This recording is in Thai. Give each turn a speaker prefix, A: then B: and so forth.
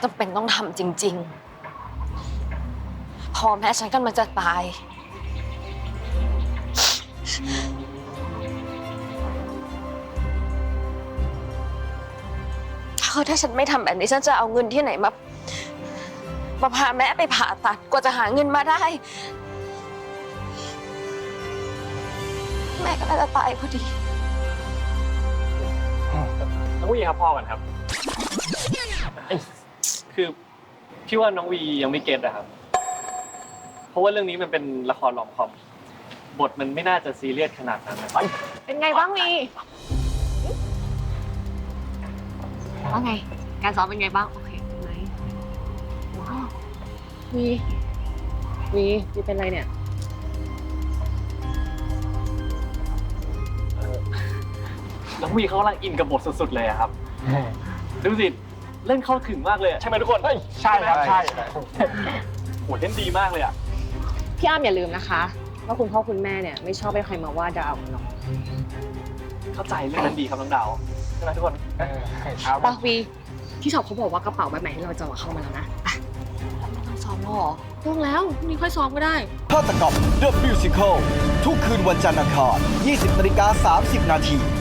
A: จำเป็นต้องทำจริงๆพ่อแม่ฉันกำลังจะตายถ้าฉันไม่ทำแบบนี้ฉันจะเอาเงินที่ไหนมาพาแม่ไปผ่าตัดกว่าจะหาเงินมาได้ แม่ก็น่าจะตายพอดี
B: น้องวีครับพ่อกันครับ คือพี่ว่าน้องวียังไม่เก็ตอะครับ เพราะว่าเรื่องนี้มันเป็นละครรอมคอมบทมันไม่น่าจะซีเรียสขนาดนั้นนะ
C: เป็นไงบ้างวีว่าไง การซ้อมเป็นไงบ้าง โอเคไหมว้าววีเป็นไรเนี่ย
B: น้องวีเขากำลังอินกับบทสุดๆเลยอะครับ ดูสิเล่นเข้าถึงมากเลยอะใช่ไหมทุกคนใช่ครับใช่โหเล่นดีมากเลยอะ
C: พี่อ้ำอย่าลืมนะคะว่าคุณพ่อคุณแม่เนี่ยไม่ชอบให้ใครมาว่าดาวน้อง
B: เข้าใจเรื่องนั้นดีครับน้องดาวใช่ไหมทุกคน
C: ปะวีที่ชอบเขาบอกว่ากระเป๋าใบใหม่ที่เราจะเอาเข้ามาแล้วนะไป
A: ไม่ต้องซ้อมแล้วเหรอ
C: ต้องแล้วพรุ่งนี้ค่อยซ้อมก็ได้
D: ฆาตกรรม The Musical ทุกคืนวันจันทร์อังคาร 20:30 น.